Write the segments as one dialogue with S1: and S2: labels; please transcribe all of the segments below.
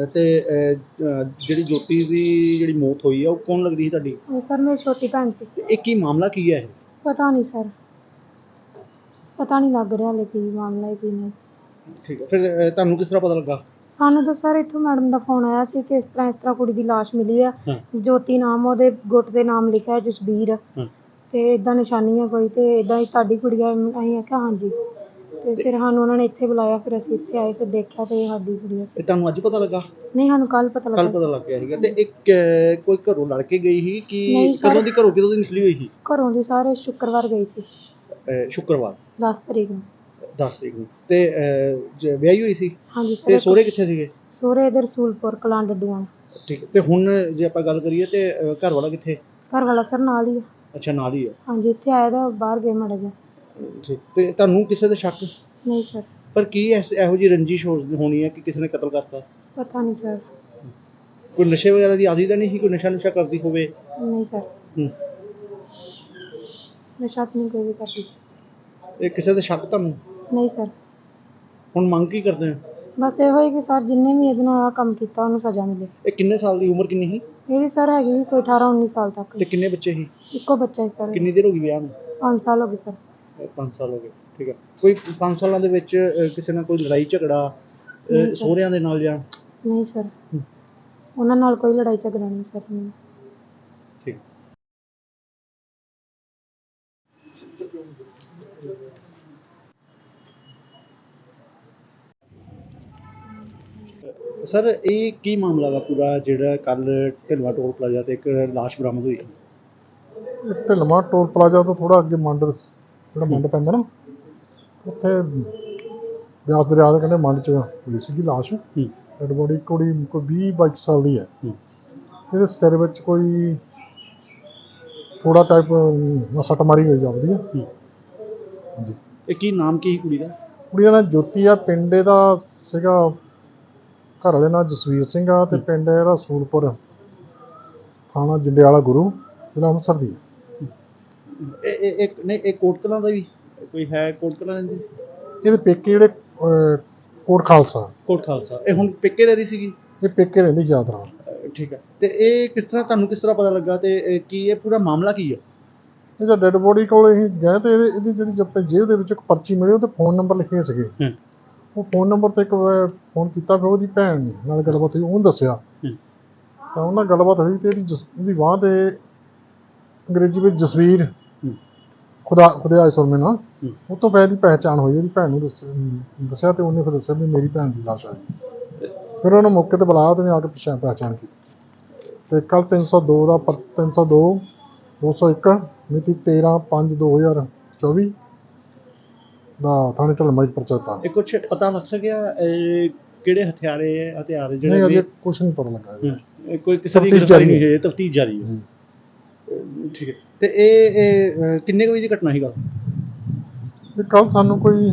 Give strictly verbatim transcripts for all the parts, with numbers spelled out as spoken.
S1: ਤੇ ਅਹ, ਅਹ, ਜਿਹੜੀ ਜੋਤੀ ਦੀ ਜਿਹੜੀ ਮੌਤ ਹੋਈ ਆ ਉਹ ਕੌਣ ਲੱਗਦੀ ਸੀ ਤੁਹਾਡੀ?
S2: ਇਹ ਸਰ ਮੇਰੀ ਛੋਟੀ ਭੈਣ ਸੀ।
S1: ਤੇ ਇਹ ਕੀ ਮਾਮਲਾ ਕੀ ਹੈ ਇਹ?
S2: ਪਤਾ ਨਹੀਂ ਸਰ, ਪਤਾ ਨਹੀਂ ਲੱਗ ਰਿਹਾ ਹਾਲੇ ਕੀ ਮਾਮਲਾ ਹੈ ਕੀ ਨਹੀਂ।
S1: ਠੀਕ ਹੈ, ਫਿਰ ਅਹ, ਤੁਹਾਨੂੰ ਕਿਸ ਤਰ੍ਹਾਂ ਪਤਾ ਲੱਗਾ?
S2: ਸਾਨੂੰ ਤਾਂ ਸਰ ਇੱਥੋਂ ਮੈਡਮ ਦਾ ਫੋਨ ਆਇਆ ਸੀ ਕਿ ਇਸ ਤਰ੍ਹਾਂ ਇਸ ਤਰ੍ਹਾਂ ਕੁੜੀ ਦੀ ਲਾਸ਼ ਮਿਲੀ ਆ।
S1: ਹਾਂ।
S2: ਜੋਤੀ ਨਾਮ, ਉਹਦੇ ਗੁੱਟ ਦੇ ਨਾਮ ਲਿਖਿਆ ਹੈ ਜਸਬੀਰ।
S1: ਹਾਂ।
S2: ਤੇ ਇਦਾਂ ਨਿਸ਼ਾਨੀ ਹੈ ਕੋਈ, ਤੇ ਇਦਾਂ ਹੀ ਤੁਹਾਡੀ ਕੁੜੀ ਆ? ਅਸੀਂ ਆਖਿਆ ਹਾਂਜੀ। ਤੇ ਫਿਰ ਸਾਨੂੰ ਉਹਨਾਂ ਨੇ ਇੱਥੇ ਬੁਲਾਇਆ, ਫਿਰ ਅਸੀਂ ਇੱਥੇ ਆਏ, ਫਿਰ ਦੇਖਿਆ ਤੇ ਇਹ ਸਾਡੀ ਕੁੜੀ ਸੀ।
S1: ਤੇ ਤੁਹਾਨੂੰ ਅੱਜ ਪਤਾ ਲੱਗਾ?
S2: ਨਹੀਂ, ਸਾਨੂੰ ਕੱਲ ਪਤਾ
S1: ਕੱਲ
S2: ਲੱਗਾ।
S1: ਪਤਾ ਲੱਗ ਗਿਆ ਸੀਗਾ। ਤੇ ਇੱਕ ਅਹ, ਕੋਈ ਘਰੋਂ ਲੜ ਕੇ ਗਈ ਸੀ ਕਿ
S2: ਨਹੀਂ ਸਰ।
S1: ਕਦੋਂ ਦੀ ਘਰੋਂ ਕਦੋਂ ਦੀ ਨਿਕਲੀ ਹੋਈ ਸੀ?
S2: ਘਰੋਂ ਦੀ ਸਾਰੇ ਸ਼ੁੱਕਰਵਾਰ ਗਈ ਸੀ,
S1: ਅਹ, ਸ਼ੁੱਕਰਵਾਰ
S2: ਦਸ ਤਰੀਕ ਨੂੰ।
S1: ਦਸ ਤਰੀਕ ਨੂੰ। ਤੇ ਅਹ, ਜ- ਵਿਆਹੀ ਹੋਈ ਸੀ?
S2: ਹਾਂਜੀ ਸਰ।
S1: ਤੇ ਸਹੁਰੇ ਕਿੱਥੇ ਸੀਗੇ?
S2: ਸਹੁਰੇ ਇੱਧਰ ਰਸੂਲਪੁਰ ਕਲਾਂ ਡੱਡੂਆਂ।
S1: ਠੀਕ ਹੈ। ਤੇ ਹੁਣ ਜੇ ਆਪਾਂ ਗੱਲ ਕਰੀਏ ਤੇ ਅਹ, ਘਰ ਵਾਲਾ ਕਿੱਥੇ?
S2: ਘਰ ਵਾਲਾ ਸਰ ਨਾਲ ਹੀ ਆ।
S1: ਅੱਛਾ, ਨਾਲ ਹੀ ਆ।
S2: ਹਾਂਜੀ, ਇੱਥੇ ਆਇਆ ਤਾਂ ਬਾਹਰ ਗਏ ਮਾੜਾ ਜਿਹਾ।
S1: ਠੀਕ। ਤੇ ਤੁਹਾਨੂੰ ਕਿਸੇ ਤੇ ਸ਼ੱਕ?
S2: ਨਹੀਂ ਸਰ।
S1: ਪਰ ਕੀ ਐਸ- ਇਹੋ ਜਿਹੀ ਰੰਜਿਸ਼ ਹੋ- ਹੋਣੀ ਹੈ ਕਿ ਕਿਸੇ ਨੇ ਕਤਲ ਕਰਤਾ?
S2: ਪਤਾ ਨਹੀਂ ਸਰ।
S1: ਕੋਈ ਨਸ਼ੇ ਵਗੈਰਾ ਦੀ ਆਦੀ ਤਾਂ ਨਹੀਂ ਸੀ? ਕੋਈ ਨਸ਼ਾ ਨੁਸ਼ਾ ਕਰਦੀ ਹੋਵੇ?
S2: ਨਹੀਂ ਸਰ,
S1: ਹੂੰ।
S2: ਨਸ਼ਾ ਤਾਂ ਨਹੀਂ ਕੋਈ ਵੀ ਕਰਦੀ ਸੀ।
S1: ਇਹ ਕਿਸੇ ਤੇ ਸ਼ੱਕ ਤੁਹਾਨੂੰ?
S2: ਨਹੀਂ ਸਰ।
S1: ਹੁਣ ਮੰਗ ਕੀ ਕਰਦੇ ਹੋ?
S2: ਬਸ ਇਹੋ ਹੀ ਕਿ ਸਰ ਜਿੰਨੇ ਵੀ ਇਹਦੇ ਨਾਲ ਆਹ ਕੰਮ ਕੀਤਾ ਉਹਨੂੰ ਸਜ਼ਾ ਮਿਲੇ।
S1: ਇਹ ਕਿੰਨੇ ਸਾਲ ਦੀ ਉਮਰ ਕਿੰਨੀ ਸੀ?
S2: ਇਹਦੀ ਸਰ ਹੈਗੀ ਸੀ ਕੋਈ ਅਠਾਰਾਂ ਉੱਨੀ ਸਾਲ ਤੱਕ।
S1: ਤੇ ਕਿੰਨੇ ਬੱਚੇ ਸੀ?
S2: ਇੱਕੋ ਬੱਚਾ ਸੀ ਸਰ।
S1: ਕਿੰਨੀ ਦੇਰ ਹੋ ਗਈ ਵਿਆਹ ਨੂੰ?
S2: ਪੰਜ ਸਾਲ ਹੋ ਗਏ ਸਰ।
S1: ਅਹ, ਪੰਜ ਸਾਲ ਹੋ ਗਏ। ਠੀਕ ਹੈ। ਕੋਈ ਪੰਜ ਸਾਲਾਂ ਦੇ ਵਿੱਚ ਅਹ, ਕਿਸੇ ਨਾਲ ਕੋਈ ਲੜਾਈ ਝਗੜਾ ਅਹ,
S2: ਨਹੀਂ ਸਰ।
S1: ਸਹੁਰਿਆਂ ਦੇ ਨਾਲ ਜਾਂ?
S2: ਨਹੀਂ ਸਰ,
S1: ਹੂੰ।
S2: ਉਹਨਾਂ ਨਾਲ ਕੋਈ ਲੜਾਈ ਝਗੜਾ ਨਹੀਂ ਸਰ। ਨਹੀਂ।
S1: ਠੀਕ। ਸਰ, ਇਹ ਕੀ ਮਾਮਲਾ ਵਾ ਪੂਰਾ ਜਿਹੜਾ ਕੱਲ ਢਿਲਵਾ ਟੋਲ ਪਲਾਜ਼ਾ ਤੇ ਇੱਕ ਲਾਸ਼ ਬਰਾਮਦ ਹੋਈ?
S3: ਇਹ ਢਿਲਵਾਂ ਟੋਲ ਪਲਾਜ਼ਾ ਤੋਂ ਥੋੜਾ ਅੱਗੇ ਮੰਡ, ਜਿਹੜਾ ਮੰਡ ਪੈਂਦਾ ਨਾ, ਉੱਥੇ ਬਿਆਸ ਦਰਿਆ ਦੇ ਕਹਿੰਦੇ ਮੰਡ 'ਚ ਮਿਲੀ ਸੀਗੀ ਲਾਸ਼।
S1: ਹੂੰ।
S3: ਡੈਡ ਬੋਡੀ ਕੁੜੀ ਕੋਈ ਵੀਹ ਬਾਈ ਸਾਲ ਦੀ ਹੈ।
S1: ਹੂੰ।
S3: ਇਹਦੇ ਸਿਰ ਵਿੱਚ ਕੋਈ ਥੋੜਾ ਟਾਈਪ ਸੱਟ ਮਾਰੀ ਹੋਈ ਜਾਪਦੀ ਹੈ।
S1: ਹੂੰ।
S3: ਹਾਂਜੀ।
S1: ਇਹ ਕੀ ਨਾਮ ਕੀ ਸੀ ਕੁੜੀ ਦਾ?
S3: ਕੁੜੀ ਦਾ ਨਾਂ ਜੋਤੀ ਆ, ਪਿੰਡ ਇਹਦਾ ਸੀਗਾ, ਘਰ ਵਾਲੇ ਨਾਲ ਜਸਵੀਰ ਸਿੰਘ ਆ, ਤੇ ਪਿੰਡ ਇਹਦਾ ਰਸੂਲਪੁਰ, ਥਾਣਾ ਜੰਡਿਆਲਾ ਗੁਰੂ, ਜ਼ਿਲ੍ਹਾ ਅੰਮ੍ਰਿਤਸਰ ਦੀ ਹੈ।
S1: ਇਹ ਇਹ ਇੱਕ ਨਹੀਂ, ਇਹ ਕੋਟ ਕਲਾਂ ਦਾ ਵੀ ਕੋਈ ਹੈ? ਕੋਟ ਕਲਾਂ ਦੀ?
S3: ਇਹਦੇ ਪੇਕੇ ਜਿਹੜੇ ਅਹ, ਕੋਟ ਖਾਲਸਾ।
S1: ਕੋਟ ਖਾਲਸਾ। ਇਹ ਹੁਣ ਪੇਕੇ ਰਹਿ ਰਹੀ ਸੀਗੀ?
S3: ਇਹ ਪੇਕੇ ਰਹਿੰਦੀ ਯਾਦ ਨਾਲ।
S1: ਅਹ, ਠੀਕ ਹੈ। ਤੇ ਇਹ ਕਿਸ ਤਰ੍ਹਾਂ, ਤੁਹਾਨੂੰ ਕਿਸ ਤਰ੍ਹਾਂ ਪਤਾ ਲੱਗਾ ਤੇ ਇਹ ਕੀ ਇਹ ਪੂਰਾ ਮਾਮਲਾ ਕੀ ਹੈ?
S3: ਇਹ ਜਦ ਡੈਡ ਬੋਡੀ ਕੋਲ ਅਸੀਂ ਗਏ ਤੇ ਇਹਦੇ ਇਹਦੀ ਜਿਹੜੀ ਆਪਣੇ ਜੇਬ ਦੇ ਵਿੱਚ ਇੱਕ ਪਰਚੀ ਮਿਲੀ, ਉਹ 'ਤੇ ਫੋਨ ਨੰਬਰ ਲਿਖੇ ਸੀਗੇ।
S1: ਹੂੰ।
S3: ਉਹ ਫੋਨ ਨੰਬਰ 'ਤੇ ਇੱਕ ਵਾਰ ਫੋਨ ਕੀਤਾ, ਫਿਰ ਉਹਦੀ ਭੈਣ ਨਾਲ ਗੱਲਬਾਤ ਹੋਈ, ਉਹਨੂੰ ਦੱਸਿਆ।
S1: ਹੂੰ।
S3: ਤਾਂ ਉਹਨਾਂ ਨਾਲ ਗੱਲਬਾਤ ਹੋਈ ਤੇ ਇਹਦੀ ਜਸ ਇਹਦੀ ਬਾਂਹ 'ਤੇ ਅੰਗਰੇਜ਼ੀ ਵਿੱਚ ਜਸਵੀਰ
S1: ਹੂੰ।
S3: ਖੁਦਾ ਖੁਦਾਏ ਸੁਰਮੇ ਨਾਲ,
S1: ਹੂੰ।
S3: ਉਹ ਤੋਂ ਬਾਅਦ ਦੀ ਪਹਿਚਾਣ ਹੋਈ। ਉਹਦੀ ਭੈਣ ਨੂੰ ਦੱਸ ਦੱਸਿਆ ਤੇ ਉਹਨੇ ਫਿਰ ਦੱਸਿਆ ਵੀ ਮੇਰੀ ਭੈਣ ਦੀ ਲਾਸ਼ ਆਈ। ਫਿਰ ਉਹਨੂੰ ਮੌਕੇ 'ਤੇ ਬੁਲਾਇਆ ਤੇ ਉਹਨੇ ਆ ਕੇ ਪਛਾਣ ਪਹਿਚਾਣ ਕੀਤੀ। ਤੇ ਕੱਲ੍ਹ ਤਿੰਨ ਸੌ ਦੋ ਦਾ ਪਰ ਤਿੰਨ ਸੌ ਦੋ ਦੋ ਸੌ ਇੱਕ ਮਿਤੀ ਤੇਰ੍ਹਾਂ ਪੰਜ ਦੋ ਹਜ਼ਾਰ ਚੌਵੀ ਦਾ ਥਾਣੇ ਢਲਮਾ 'ਚ ਪਰਚਾ ਦਿੱਤਾ।
S1: ਇਹ ਕੁਛ ਪਤਾ ਲੱਗ ਸਕਿਆ ਇਹ ਕਿਹੜੇ ਹਥਿਆਰੇ ਹਥਿਆਰ
S3: ਨਹੀਂ,
S1: ਜਿਹੜੇ
S3: ਅਜੇ
S1: ਵੀ?
S3: ਕੁਛ ਨਹੀਂ ਪਤਾ ਲੱਗਾ ਇਹਦਾ।
S1: ਹੂੰ। ਇਹ ਕੋਈ ਕਿਸੇ ਦੀ
S3: ਤਫ਼ਤੀਸ਼
S1: ਗ੍ਰਿਫਤਾਰੀ
S3: ਜਾਰੀ
S1: ਨਹੀਂ
S3: ਹੈ।
S1: ਹੋਈ? ਤਫਤੀਸ਼ ਜਾਰੀ ਹੈ।
S3: ਜੀ।
S1: ਅਹ, ਠੀਕ ਹੈ। ਤੇ ਇਹ ਇਹ ਅਹ, ਕਿੰਨੇ ਕੁ ਵਜੇ ਦੀ ਘਟਨਾ ਸੀ ਗੱਲ?
S3: ਇਹ ਕੱਲ੍ਹ ਸਾਨੂੰ ਕੋਈ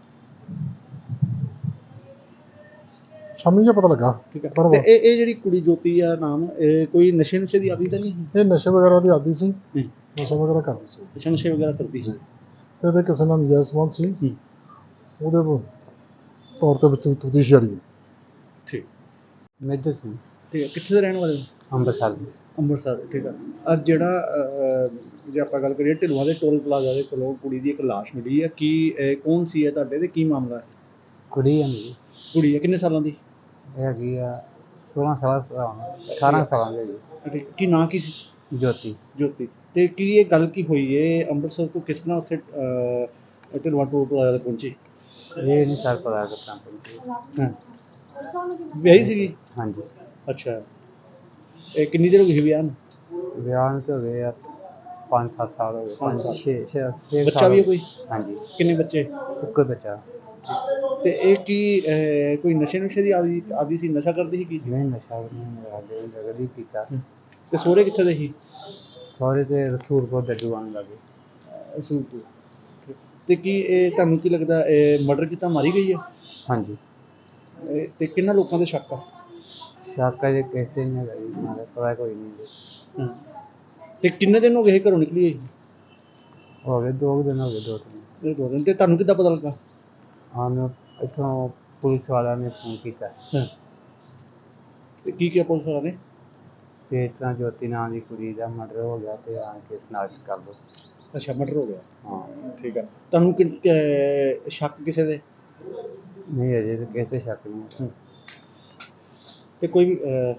S3: ਸ਼ਾਮੀ ਜਿਹਾ ਪਤਾ ਲੱਗਾ।
S1: ਠੀਕ ਹੈ।
S3: ਪਰ
S1: ਤੇ ਇਹ ਇਹ ਜਿਹੜੀ ਕੁੜੀ ਜੋਤੀ ਆ ਨਾਮ, ਇਹ ਕੋਈ ਨਸ਼ੇ ਨੁਸ਼ੇ ਦੀ ਆਦੀ ਤਾਂ ਨਹੀਂ ਸੀ?
S3: ਇਹ ਨਸ਼ੇ ਵਗੈਰਾ ਦੀ ਆਦੀ ਸੀ,
S1: ਹੂੰ।
S3: ਨਸ਼ਾ ਵਗੈਰਾ ਕਰਦੀ ਸੀ।
S1: ਅੱਛਾ, ਨਸ਼ੇ ਵਗੈਰਾ ਕਰਦੀ ਸੀ।
S3: ਜੀ। ਤੇ ਇਹਦੇ ਕਿਸੇ ਨਾਲ ਨਜਾਇਜ਼ ਸੰਬੰਧ ਸੀ,
S1: ਹੂੰ।
S3: ਉਹਦੇ ਤੌਰ ਤੇ ਵਿੱਚ ਤਫਤੀਸ਼ ਜਾਰੀ ਹੈ।
S1: ਠੀਕ।
S4: ਮੇਜਰ ਸਿੰਘ,
S1: ਠੀਕ ਹੈ। ਕਿੱਥੇ ਦੇ ਰਹਿਣ ਵਾਲੇ ਹੋ?
S4: ਅੰਮ੍ਰਿਤਸਰ ਦੀ।
S1: ਅੰਮ੍ਰਿਤਸਰ। ਠੀਕ ਹੈ। ਅੱਜ ਜਿਹੜਾ ਅਹ, ਜੇ ਆਪਾਂ ਗੱਲ ਕਰੀਏ ਢਿਲਵਾਂ ਦੇ ਟੋਲ ਪਲਾਜ਼ਾ ਦੇ ਕੋਲੋਂ ਕੁੜੀ ਦੀ ਇੱਕ ਲਾਸ਼ ਮਿਲੀ ਹੈ, ਕੀ ਇਹ ਕੌਣ ਸੀ ਹੈ ਤੁਹਾਡੇ ਤੇ ਕੀ ਮਾਮਲਾ ਹੈ?
S4: ਕੁੜੀ ਹੈ ਮੇਰੀ,
S1: ਕੁੜੀ ਹੈ, ਕਿੰਨੇ ਸਾਲਾਂ ਦੀ?
S4: ਇਹ ਹੈਗੀ ਆ ਸੋਲਾਂ ਸਾਲਾਂ ਸਾਲਾਂ ਅਠਾਰਾਂ ਸਾਲਾਂ ਦੀ ਹੈਗੀ।
S1: ਠੀਕ। ਕੀ ਨਾਂ ਕੀ ਸੀ?
S4: ਜੋਤੀ।
S1: ਜੋਤੀ। ਤੇ ਕੀ ਇਹ ਗੱਲ ਕੀ ਹੋਈ ਹੈ ਅੰਮ੍ਰਿਤਸਰ ਤੋਂ ਕਿਸ ਤਰ੍ਹਾਂ ਉੱਥੇ ਅਹ, ਢਿਲਵਾਂ ਟੋਲ ਪਲਾਜ਼ਾ ਤੇ ਪਹੁੰਚੀ?
S4: ਇਹ ਨਹੀਂ ਸਰ ਪਤਾ ਕਿੱਦਾਂ ਪਹੁੰਚੀ।
S1: ਹਾਂ। ਵਿਆਹੀ ਸੀਗੀ?
S4: ਹਾਂਜੀ।
S1: ਅੱਛਾ। ਇਹ ਕਿੰਨੀ ਦੇਰ ਹੋ ਗਈ ਸੀ ਵਿਆਹ ਨੂੰ?
S4: ਵਿਆਹ ਨੂੰ ਤਾਂ ਹੋ ਗਏ ਆ ਪੰਜ ਸੱਤ ਸਾਲ ਹੋ ਗਏ।
S1: ਪੰਜ
S4: ਪੰਜ
S1: ਸਾਲ।
S4: ਛੇ ਛੇ ਛੇ
S1: ਬੱਚਾ
S4: ਸਾਲ
S1: ਵੀ ਹੈ
S4: ਹੋ ਗਏ।
S1: ਕੋਈ?
S4: ਹਾਂਜੀ,
S1: ਕਿੰਨੇ ਬੱਚੇ?
S4: ਇੱਕੋ ਬੱਚਾ।
S1: ਤੇ ਇਹ ਕੀ ਅਹ, ਕੋਈ ਨਸ਼ੇ ਨੁਸ਼ੇ ਦੀ ਆਦੀ ਆਦੀ ਸੀ? ਨਸ਼ਾ ਕਰਦੀ ਸੀ? ਕੀ ਸੀ?
S4: ਨਹੀਂ, ਨਸ਼ਾ ਵੀ ਨਹੀਂ ਕਰਦੇ ਨਗਰ ਹੀ ਕੀਤਾ।
S1: ਤੇ ਸਹੁਰੇ ਕਿੱਥੇ ਦੇ ਸੀ?
S4: ਸਹੁਰੇ ਤੇ ਰਸੂਲਪੁਰ ਡੱਡੂ ਆਉਣ ਲੱਗੇ।
S1: ਸੂਟ। ਤੇ ਕੀ ਇਹ ਤੁਹਾਨੂੰ ਕੀ ਲੱਗਦਾ ਇਹ ਮਰਡਰ ਕੀਤਾ, ਮਾਰੀ ਗਈ ਹੈ?
S4: ਹਾਂਜੀ।
S1: ਇਹ ਤੇ ਕਿੰਨਾਂ ਲੋਕਾਂ ਦੇ ਸ਼ੱਕ ਆ?
S4: ਸ਼ੱਕ ਅਜੇ ਕਿਸੇ 'ਤੇ ਨਹੀਂ ਹੈਗਾ ਜੀ, ਨਾਲੇ ਪਤਾ ਕੋਈ ਨਹੀਂ ਜੀ।
S1: ਹਾਂ। ਤੇ ਕਿੰਨੇ ਦਿਨ ਹੋ ਗਏ ਘਰੋਂ ਨਿਕਲੀ ਹੋਈ?
S4: ਹੋ ਗਏ ਦੋ ਕੁ ਦਿਨ ਹੋ ਗਏ, ਦੋ ਤਿੰਨ।
S1: ਇਹ ਦੋ ਦਿਨ। ਤੇ ਤੁਹਾਨੂੰ ਕਿੱਦਾਂ ਪਤਾ ਲੱਗਾ?
S4: ਸਾਨੂੰ ਇੱਥੋਂ ਪੁਲਿਸ ਵਾਲਿਆਂ ਨੇ ਫੋਨ ਕੀਤਾ।
S1: ਹਾਂ। ਤੇ ਕੀ ਕਿਹਾ ਪੁਲਿਸ ਵਾਲਿਆਂ ਨੇ?
S4: ਤੇ ਇਸ ਤਰ੍ਹਾਂ ਜੋਤੀ ਨਾਂ ਦੀ ਕੁੜੀ ਦਾ ਮਰਡਰ ਹੋ ਗਿਆ ਤੇ ਆਣ ਕੇ ਸਨਾਖਤ ਕਰ ਲਓ।
S1: ਅੱਛਾ, ਮਰਡਰ ਹੋ ਗਿਆ।
S4: ਹਾਂ
S1: ਠੀਕ ਆ। ਤੁਹਾਨੂੰ ਕਿ ਅਹ ਸ਼ੱਕ ਕਿਸੇ ਦੇ?
S4: ਨਹੀਂ ਅਜੇ ਤਾਂ ਕਿਸੇ ਤੇ ਸ਼ੱਕ ਨਹੀਂ।
S1: ਹੂੰ। ਤੇ ਕੋਈ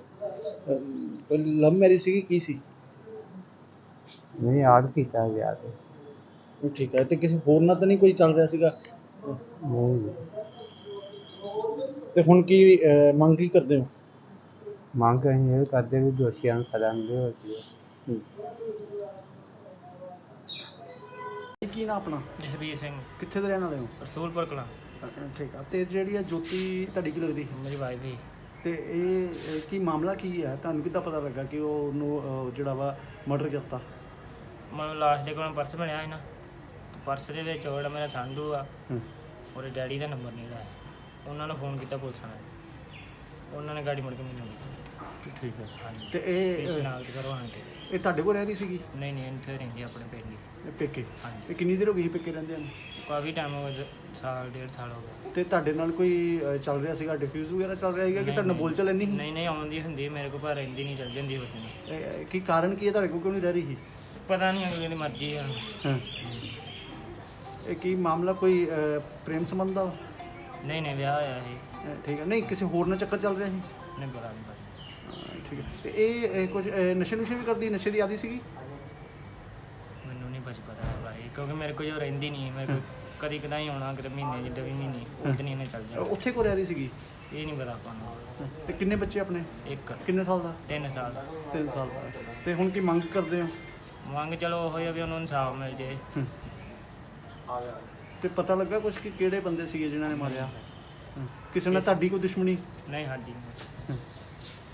S1: ਲਵ ਮੈਰਿਜ ਸੀਗੀ, ਕੀ ਸੀ?
S4: ਨਹੀਂ ਆੜ ਕੀਤਾ ਵਿਆਹ ਤੇ।
S1: ਠੀਕ ਹੈ। ਤੇ ਕਿਸੇ ਹੋਰ ਨਾਲ ਤਾਂ ਨਹੀਂ ਕੋਈ ਚੱਲ ਰਿਹਾ ਸੀਗਾ?
S4: ਨਹੀਂ ਜੀ।
S1: ਤੇ ਹੁਣ ਕੀ ਅਹ ਮੰਗ ਕੀ ਕਰਦੇ ਹੋ?
S4: ਮੰਗ ਅਸੀਂ ਇਹ ਕਰਦੇ ਵੀ ਦੋਸ਼ੀਆਂ ਨੂੰ ਸਜ਼ਾ ਮਿਲੇ ਹੋਰ ਕੀ ਹੈ।
S1: ਕੀ ਨਾ ਆਪਣਾ?
S5: ਜਸਵੀਰ ਸਿੰਘ,
S1: ਕਿੱਥੇ ਦੇ ਰਹਿਣ ਵਾਲੇ ਹੋ?
S5: ਰਸੂਲਪੁਰ ਕਲਾਂ।
S1: ਠੀਕ ਆ। ਤੇ ਜਿਹੜੀ ਆ ਜੋਤੀ ਤੁਹਾਡੀ ਕੀ ਲੱਗਦੀ?
S5: ਮੇਰੀ ਵਾਈਫ ਹੀ।
S1: ਤੇ ਇਹ ਅਹ, ਕੀ ਮਾਮਲਾ ਕੀ ਹੈ? ਤੁਹਾਨੂੰ ਕਿੱਦਾਂ ਪਤਾ ਲੱਗਾ ਕਿ ਉਹ ਉਹਨੂੰ ਅਹ, ਜਿਹੜਾ ਵਾ ਮਰਡਰ ਕਰਤਾ?
S5: ਮਤਲਬ ਲਾਸਟ ਦੇ ਕੋਲ ਪਰਸ ਬਣਿਆ ਸੀ ਨਾ, ਪਰਸ ਦੇ ਵਿੱਚ ਉਹ ਜਿਹੜਾ ਮੇਰਾ ਸੰਧੂ ਆ,
S1: ਹੂੰ।
S5: ਉਹਦੇ ਡੈਡੀ ਦਾ ਨੰਬਰ ਨਹੀਂ ਲਾਇਆ। ਉਹਨਾਂ ਨੂੰ ਫੋਨ ਕੀਤਾ ਪੁਲਿਸ ਨੇ, ਉਹਨਾਂ ਨੇ ਗਾੜੀ ਮੁੜ ਕੇ ਮੈਨੂੰ ਦਿੱਤੀ।
S1: ਠੀਕ ਹੈ।
S5: ਹਾਂਜੀ।
S1: ਤੇ ਇਹ
S5: ਇਸ
S1: ਅਹ,
S5: ਨਾਲ ਕਰਵਾਉਣ ਕੇ।
S1: ਇਹ ਤੁਹਾਡੇ ਕੋਲ ਰਹਿ ਰਹੀ ਸੀਗੀ?
S5: ਨਹੀਂ ਨਹੀਂ, ਇੱਥੇ ਰਹਿੰਦੀ ਆਪਣੇ ਪਿੰਡ ਹੀ।
S1: ਇਹ ਪੇਕੇ?
S5: ਹਾਂਜੀ।
S1: ਇਹ ਕਿੰਨੀ ਦੇਰ ਹੋ ਗਈ ਸੀ ਪੇਕੇ ਰਹਿੰਦੇ ਨੂੰ?
S5: ਕਾਫੀ ਟਾਈਮ ਹੋ ਗਿਆ, ਸਾਲ ਡੇਢ ਸਾਲ ਹੋ ਗਿਆ।
S1: ਤੇ ਤੁਹਾਡੇ ਨਾਲ ਕੋਈ ਅਹ, ਚੱਲ ਰਿਹਾ ਸੀਗਾ, ਡਿਫਿਊਜ਼ ਵਗੈਰਾ ਚੱਲ ਰਿਹਾ ਸੀਗਾ ਕਿ
S5: ਨਹੀਂ,
S1: ਤੁਹਾਡੇ ਨਾਲ
S5: ਨਹੀਂ।
S1: ਬੋਲ ਚਾਲ ਇੰਨੀ ਸੀ?
S5: ਨਹੀਂ ਨਹੀਂ, ਆਉਂਦੀ ਹੁੰਦੀ ਮੇਰੇ ਕੋਲ, ਪਰ ਰਹਿੰਦੀ ਨਹੀਂ, ਚੱਲ ਜਾਂਦੀ ਹੋਤੀ।
S1: ਇਹ- ਕੀ ਕਾਰਨ ਕੀ ਹੈ, ਤੁਹਾਡੇ ਕੋਲ ਕਿਉਂ ਨਹੀਂ ਰਹਿ ਰਹੀ ਸੀ?
S5: ਪਤਾ ਨਹੀਂ, ਅਗਲੇ ਦੀ ਮਰਜ਼ੀ ਆ।
S1: ਹਾਂ। ਇਹ ਕੀ ਮਾਮਲਾ ਕੋਈ ਅਹ, ਪ੍ਰੇਮ ਸੰਬੰਧ ਦਾ?
S5: ਨਹੀਂ ਨਹੀਂ, ਵਿਆਹ ਹੋਇਆ ਸੀ।
S1: ਅਹ, ਠੀਕ ਹੈ। ਨਹੀਂ ਕਿਸੇ ਹੋਰ ਨਾਲ ਚੱਕਰ ਚੱਲ ਰਿਹਾ ਸੀ?
S5: ਨਹੀਂ ਪਤਾ ਨਹੀਂ ਪਤਾ।
S1: ਹਾਂ, ਠੀਕ ਹੈ। ਤੇ ਇਹ ਇਹ ਕੁਝ ਅਹ, ਨਸ਼ੇ ਨੁਸ਼ੇ ਵੀ ਕਰਦੀ, ਨਸ਼ੇ ਦੀ ਆਦੀ ਸੀਗੀ?
S5: ਮੈਨੂੰ ਨਹੀਂ ਕੁਛ ਪਤਾ ਹੈ ਬਾਰੇ, ਕਿਉਂਕਿ ਮੇਰੇ ਕੋਲ ਜੋ ਰਹਿੰਦੀ ਨਹੀਂ, ਮੇਰੇ ਕੋਲ ਕਦੀ ਕਦਾਈ ਆਉਣਾ, ਕਿਤੇ ਮਹੀਨੇ ਜਿੱਦਾਂ ਵੀ ਮਹੀਨੇ ਉਸ ਦਿਨ ਇਹਨੇ ਚੱਲ
S1: ਅਹ,
S5: ਜਾਣਾ।
S1: ਉੱਥੇ ਕੋ ਰਹਿ ਰਹੀ ਸੀਗੀ?
S5: ਇਹ ਨਹੀਂ ਪਤਾ ਆਪਾਂ ਨੂੰ।
S1: ਹਾਂ। ਤੇ ਕਿੰਨੇ ਬੱਚੇ ਆਪਣੇ?
S5: ਇੱਕ
S1: ਕਿੰਨੇ ਸਾਲ ਦਾ?
S5: ਤਿੰਨ ਸਾਲ ਦਾ।
S1: ਤਿੰਨ ਸਾਲ ਦਾ। ਤੇ ਹੁਣ ਕੀ ਮੰਗ ਕਰਦੇ ਹੋ?
S5: ਮੰਗ ਚਲੋ ਉਹ ਹੀ ਆ ਵੀ ਉਹਨੂੰ ਇਨਸਾਫ ਮਿਲ ਜੇ।
S1: ਤੇ ਪਤਾ ਲੱਗਾ ਕੁਝ ਕਿ ਕਿਹੜੇ ਬੰਦੇ ਸੀਗੇ ਜਿਨ੍ਹਾਂ ਨੇ ਮਾਰਿਆ? ਹਾਂ। ਕਿਸੇ ਨਾਲ ਤੁਹਾਡੀ ਕੋਈ ਦੁਸ਼ਮਣੀ?
S5: ਨਹੀਂ ਸਾਡੀ ਨਹੀਂ।